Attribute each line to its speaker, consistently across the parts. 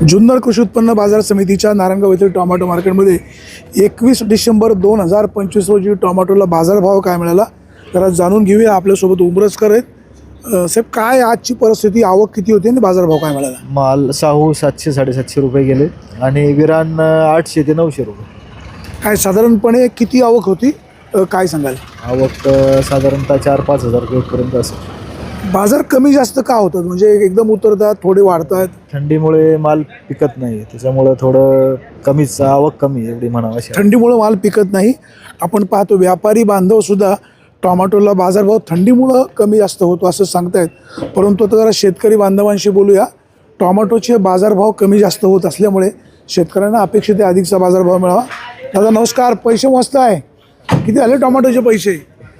Speaker 1: जुन्नर कृषी उत्पन्न बाजार समितीच्या नारायणगाव येथील टोमॅटो मार्केटमध्ये 21 डिसेंबर 2025 रोजी टोमॅटोला बाजारभाव काय मिळाला जरा जाणून घेऊया. आपल्यासोबत उमरजकर आहेत. साहेब, काय आजची परिस्थिती, आवक किती होती आणि बाजारभाव काय मिळाला?
Speaker 2: माल शाहू 700-750 रुपये गेले आणि विरान 800 ते 900 रुपये.
Speaker 1: काय साधारणपणे किती आवक होती, काय सांगाल?
Speaker 2: आवक साधारणतः 4-5 हजार रुपयेपर्यंत असेल.
Speaker 1: बाजार कमी जास्त का होतात, म्हणजे एकदम उतरतात, थोडे वाढतात?
Speaker 2: थंडीमुळे माल पिकत नाही, त्याच्यामुळं थोडं कमीच आवक कमी एवढी म्हणावं अशी.
Speaker 1: थंडीमुळं माल पिकत नाही. आपण पाहतो व्यापारी बांधवसुद्धा टोमॅटोला बाजारभाव थंडीमुळं कमी जास्त होतो असं सांगतायत. परंतु आता जरा शेतकरी बांधवांशी बोलूया. टोमॅटोचे बाजारभाव कमी जास्त होत असल्यामुळे शेतकऱ्यांना अपेक्षित आहे अधिकचा बाजारभाव मिळावा. दादा नमस्कार. पैसे मस्त आहे, किती आले टोमॅटोचे पैसे?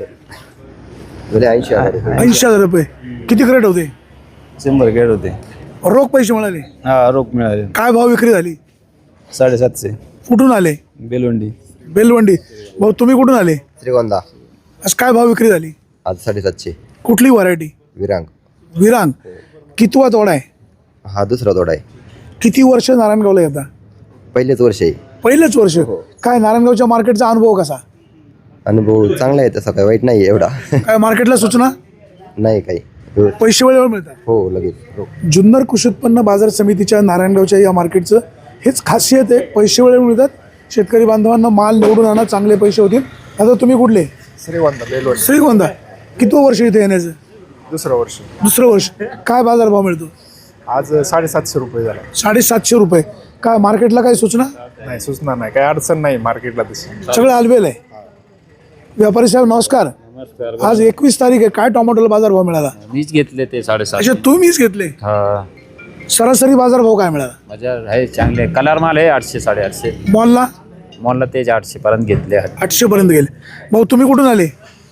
Speaker 1: 80,000 रुपये. किती क्रेट होते?
Speaker 3: 100 क्रेट होते.
Speaker 1: रोख पैसे मिळाले?
Speaker 3: हा, रोख मिळाले.
Speaker 1: काय भाव विक्री झाली?
Speaker 3: 750.
Speaker 1: कुठून आले?
Speaker 3: बेलवंडी.
Speaker 1: बेलवंडी. भाऊ तुम्ही कुठून आले?
Speaker 4: श्रीगोंदा.
Speaker 1: आज काय भाव विक्री झाली?
Speaker 4: आज 750.
Speaker 1: कुठली व्हरायटी?
Speaker 4: विरांग.
Speaker 1: विरांग. कितवा तोडा आहे?
Speaker 4: हा दुसरा तोडा आहे.
Speaker 1: किती वर्ष नारायणगावला येता?
Speaker 4: पहिलेच वर्ष आहे.
Speaker 1: पहिलेच वर्ष. काय नारायणगावच्या मार्केटचा अनुभव कसा?
Speaker 4: अनुभव चांगला आहे, तसा काही वाईट नाही एवढा.
Speaker 1: काय मार्केटला सूचना
Speaker 4: नाही काही.
Speaker 1: पैसे वेळेवर मिळतात?
Speaker 4: हो लगेच.
Speaker 1: जुन्नर कृषी उत्पन्न बाजार समितीच्या नारायणगावच्या या मार्केटचं हेच खासियत आहे, पैसे वेळेवर मिळतात. शेतकरी बांधवांना माल निवडून आणा, चांगले पैसे होतील. आता तुम्ही कुठले?
Speaker 2: श्रीगोंदा.
Speaker 1: श्रीगोंदा. किती वर्ष इथे येण्याचं?
Speaker 2: दुसरं वर्ष.
Speaker 1: दुसरं वर्ष. काय बाजारभाव मिळतो?
Speaker 2: आज 750 रुपये झाला.
Speaker 1: 750 रुपये. काय मार्केटला काही सूचना?
Speaker 2: नाही, सुचणार नाही, काही अडचण नाही मार्केटला तशी.
Speaker 1: सगळं आलबेल आहे. व्यापारी साहेब नमस्कार. आज 21 तारीख आहे, काय टोमॅटोला बाजारभाव मिळाला?
Speaker 5: मीच घेतले ते 750.
Speaker 1: अच्छा, तुम्हीच घेतले?
Speaker 5: हा,
Speaker 1: सरासरी बाजारभाव काय मिळाला?
Speaker 5: माझ्या आहे चांगले कलर माल आहे 800-850.
Speaker 1: मॉलला?
Speaker 5: मॉलला तेच 800 पर्यंत घेतले.
Speaker 1: 800 पर्यंत गेले. भाऊ तुम्ही कुठून आले?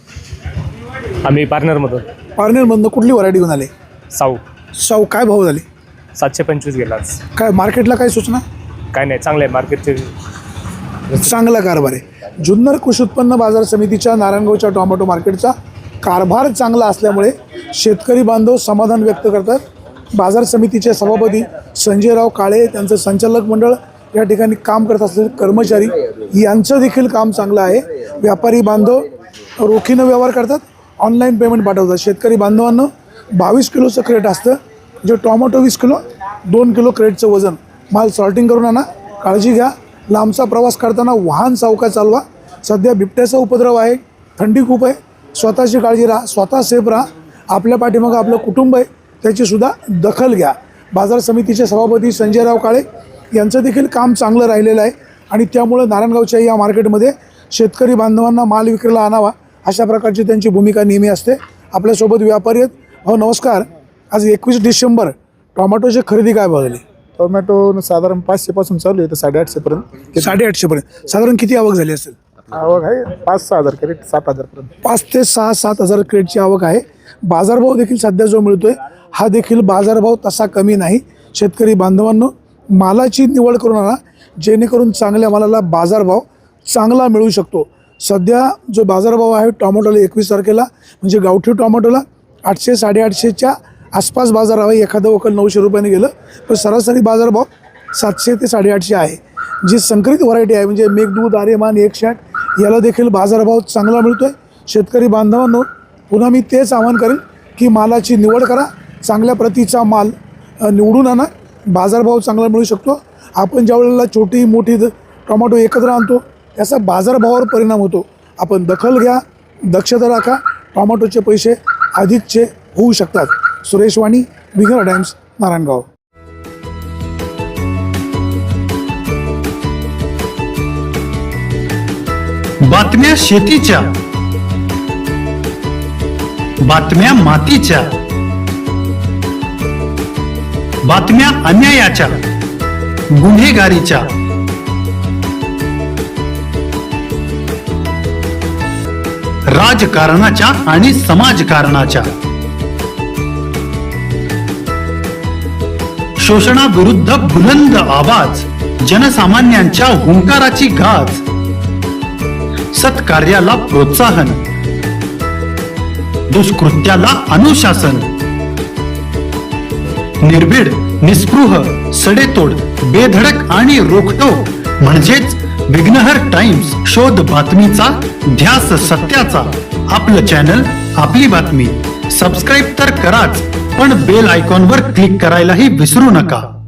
Speaker 6: आम्ही पार्टनरमधून.
Speaker 1: पारनेरमधनं. कुठली व्हरायटी घेऊन आले?
Speaker 6: साऊ.
Speaker 1: काय भाव झाले?
Speaker 6: 725 गेला आज.
Speaker 1: काय मार्केटला काय सूचना?
Speaker 6: काय नाही, चांगलं आहे मार्केटचे.
Speaker 1: चांगला कारभार आहे. जुन्नर कृषी उत्पन्न बाजार समितीच्या नारायणगावच्या टोमॅटो मार्केटचा कारभार चांगला असल्यामुळे शेतकरी बांधव समाधान व्यक्त करतात. बाजार समितीचे सभापती संजयराव काळे, त्यांचं संचालक मंडळ, या ठिकाणी काम करत असलेले कर्मचारी यांचं देखील काम चांगलं आहे. व्यापारी बांधव रोखीनं व्यवहार करतात, ऑनलाईन पेमेंट पाठवतात. शेतकरी बांधवांना 22 किलोचं क्रेट असतं, जे टोमॅटो 20 किलो, 2 किलो क्रेटचं वजन. माल सॉर्टिंग करून आणा, काळजी घ्या. लांबचा प्रवास करताना वाहन सावकाश चालवा. सध्या बिबट्याचा उपद्रव आहे, थंडी खूप आहे. स्वतःची काळजी राहा, स्वतः सेफ राहा. आपल्या पाठीमागं आपलं कुटुंब आहे, त्याचीसुद्धा दखल घ्या. बाजार समितीचे सभापती संजयराव काळे यांचं देखील काम चांगलं राहिलेलं आहे आणि त्यामुळं नारायणगावच्या या मार्केटमध्ये शेतकरी बांधवांना माल विक्रीला आणावा अशा प्रकारची त्यांची भूमिका नेहमी असते. आपल्यासोबत व्यापारी आहेत. हो नमस्कार. आज 21 डिसेंबर, टोमॅटोची खरेदी काय बघाली?
Speaker 2: टोमॅटो साधारण 500 पासून चालू आहे तर 850 पर्यंत.
Speaker 1: 850 पर्यंत. साधारण किती आवक झाली असेल?
Speaker 2: आवक आहे 5-6 हजार क्रेट, 7,000 पर्यंत.
Speaker 1: 5 ते 6-7 हजार क्रेटची आवक आहे. बाजारभाव देखील सध्या जो मिळतोय हा देखील बाजारभाव तसा कमी नाही. शेतकरी बांधवांनो मालाची निवड करून आणा, जेणेकरून चांगल्या मालाला बाजारभाव चांगला मिळू शकतो. सध्या जो बाजारभाव आहे टोमॅटोला 21 तारखेला, म्हणजे गावठी टोमॅटोला 800-850च्या आसपास बाजार आहे. एखादं वकल 900 रुपयाने गेलं, पण सरासरी बाजारभाव 700 ते 850 आहे. जी संकरित व्हरायटी आहे म्हणजे मेघदूत, आर्यमान, 160, याला देखील बाजारभाव चांगला मिळतो आहे. शेतकरी बांधवांनो पुन्हा मी तेच आवाहन करेन की मालाची निवड करा, चांगल्या प्रतीचा माल निवडून आणा, बाजारभाव चांगला मिळू शकतो. आपण ज्या वेळेला छोटी मोठी टोमॅटो एकत्र आणतो त्याचा बाजारभावावर परिणाम होतो. आपण दखल घ्या, दक्षता राखा, टोमॅटोचे पैसे अधिकचे होऊ शकतात. सुरेश वाणी, विघर टाइम्स, नारायणगाव.
Speaker 7: बातम्या शेतीच्या, बातम्या मातीच्या, बातम्या अन्यायाच्या, गुन्हेगारीच्या, राजकारणाच्या आणि समाजकारणाच्या, शोषणाविरुद्ध बुलंद आवाज, जनसामान्यांच्या हुंकाराची गाज, सत्कार्याला प्रोत्साहन, दुष्कृत्याला अनुशासन, निर्भीड निस्पृह, सडेतोड, बेधडक आणि रोखटोक म्हणजेच विघ्नहर टाइम्स. शोध बातमीचा, ध्यास सत्याचा. आपलं चॅनल, आपली बातमी. सबस्क्राईब तर कराच, पण बेल आयकॉनवर क्लिक करायलाही विसरू नका.